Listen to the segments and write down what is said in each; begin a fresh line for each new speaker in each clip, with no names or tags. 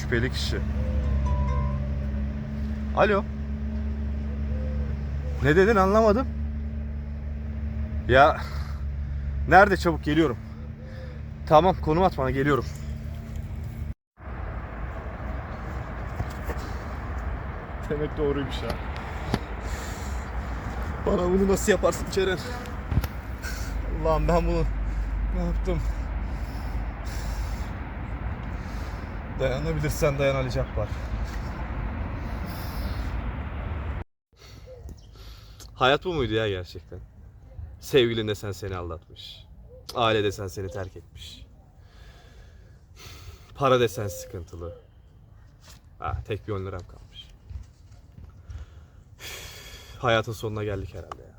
Şüpheli kişi. Alo. Ne dedin anlamadım. Ya nerede, çabuk geliyorum. Tamam, konum at bana, geliyorum. Demek doğruymuş ha. Bana bunu nasıl yaparsın Ceren? Allah'ım, ben bunu ne yaptım? Dayanabilirsen dayan Ali Cabbar. Hayat bu muydu ya gerçekten? Sevgilin desen seni aldatmış. Aile desen seni terk etmiş. Para desen sıkıntılı. Tek bir 10 liram kalmış. Hayatın sonuna geldik herhalde ya.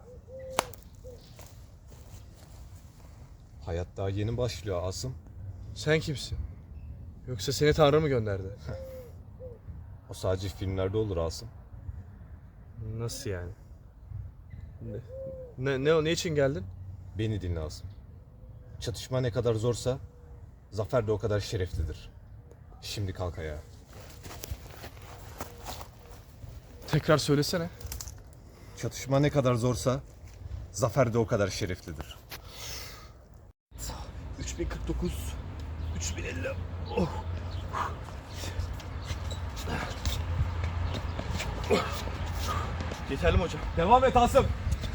Hayat daha yeni başlıyor Asım.
Sen kimsin? Yoksa seni Tanrı mı gönderdi?
O sadece filmlerde olur Asım.
Nasıl yani? Ne için geldin?
Beni dinle Asım. Çatışma ne kadar zorsa zafer de o kadar şereflidir. Şimdi kalk ayağa.
Tekrar söylesene.
Çatışma ne kadar zorsa zafer de o kadar şereflidir.
3049, 3050. Oh. Yeterli mi hocam?
Devam et Asım.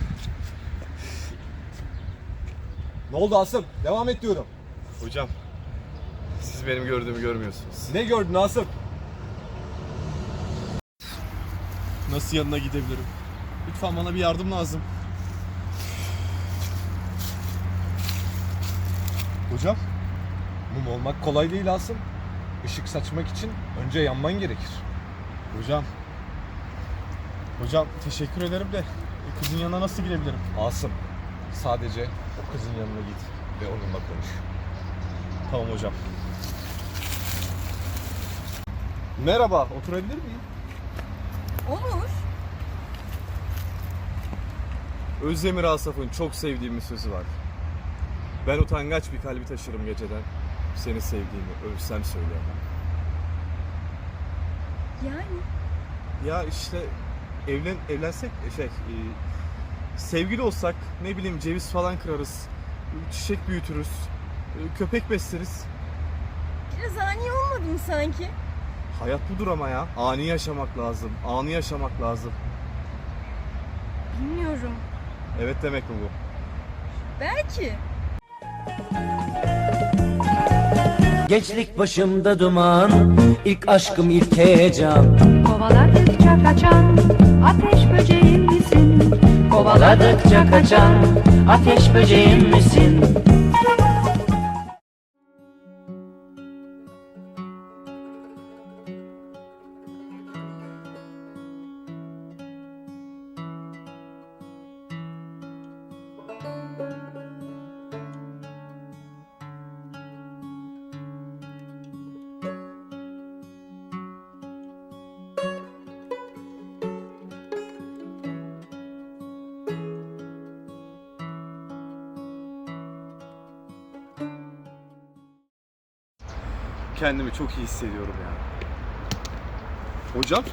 Ne oldu Asım? Devam et diyorum.
Hocam, siz benim gördüğümü görmüyorsunuz.
Ne gördün Asım?
Nasıl yanına gidebilirim? Lütfen bana bir yardım lazım.
Hocam, mum olmak kolay değil Asım. Işık saçmak için önce yanman gerekir.
Hocam teşekkür ederim de kızın yanına nasıl gidebilirim?
Asım, sadece o kızın yanına git ve onunla konuş.
Tamam hocam. Merhaba, oturabilir miyim?
Olur.
Özdemir Asaf'ın çok sevdiğim bir sözü var. Ben utangaç bir kalbi taşırım geceden. Seni sevdiğimi ölsem söyleyemem.
Yani
Ya işte evlensek sevgili olsak, ne bileyim, ceviz falan kırarız. Çiçek büyütürüz. Köpek besleriz.
biraz ani olmadı mı sanki?
Hayat budur ama ya. Ani yaşamak lazım. Anı yaşamak lazım.
Bilmiyorum.
Evet demek mi bu?
Belki.
Gençlik başımda duman, ilk aşkım ilk heyecan.
Kovaladıkça kaçan ateş böceğim misin?
Kovaladıkça kaçan ateş böceğim misin?
Kendimi çok iyi hissediyorum ya. Hocam?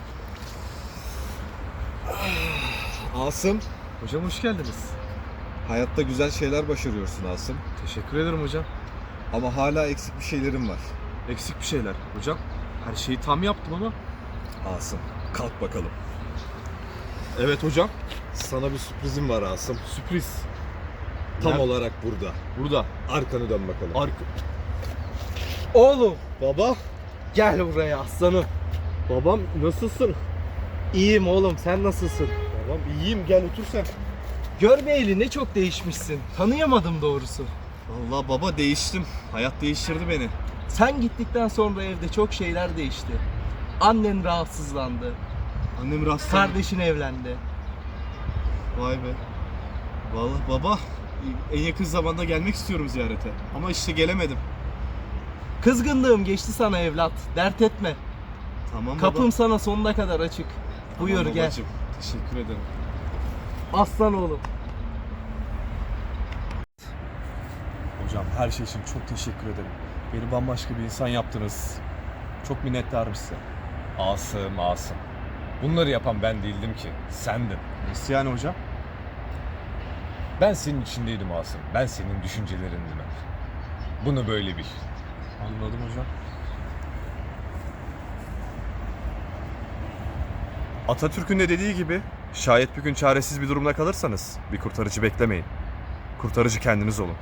Asım,
Hocam hoş geldiniz.
hayatta güzel şeyler başarıyorsun Asım.
Teşekkür ederim hocam.
Ama hala eksik bir şeylerin var.
Eksik bir şeyler. Hocam her şeyi tam yaptım ama.
Asım, kalk bakalım.
Evet hocam.
Sana bir sürprizim var Asım.
Sürpriz.
Tam
Nerede?
olarak burada.
Burada.
Arkanı dön bakalım.
Oğlum.
Baba, gel buraya aslanım.
Babam nasılsın?
İyiyim oğlum, sen nasılsın?
Babam iyiyim, gel otur sen.
Görmeyeli ne çok değişmişsin. Tanıyamadım doğrusu.
Vallahi baba, değiştim. Hayat değiştirdi beni.
Sen gittikten sonra evde çok şeyler değişti. Annen rahatsızlandı.
Annem rastladı.
Kardeşin evlendi.
Vay be. Vallahi baba, en yakın zamanda gelmek istiyorum ziyarete. Ama işte gelemedim.
Kızgınlığım geçti sana evlat. Dert etme.
Tamam baba.
Kapım sana sonuna kadar açık.
Tamam
Buyur gel.
babacığım. Teşekkür ederim.
Aslan oğlum.
Hocam her şey için çok teşekkür ederim. Beni bambaşka bir insan yaptınız. Çok minnettarım size.
Asım. Bunları yapan ben değildim ki, sendin.
Nasıl yani hocam?
Ben senin içindeydim Asım. Ben senin düşüncelerindim hep. Bunu böyle bil.
Anladım hocam. Atatürk'ün de dediği gibi şayet bir gün çaresiz bir durumda kalırsanız bir kurtarıcı beklemeyin. Kurtarıcı kendiniz olun.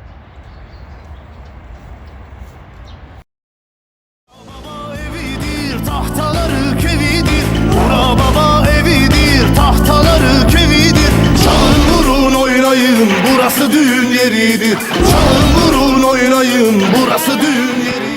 Evidir, tahtaları kevidir. Bura baba evidir, tahtaları kevidir. Çalın vurun oynayın, burası düğün yeridir. Çalın vurun oynayın, burası düğün yeridir.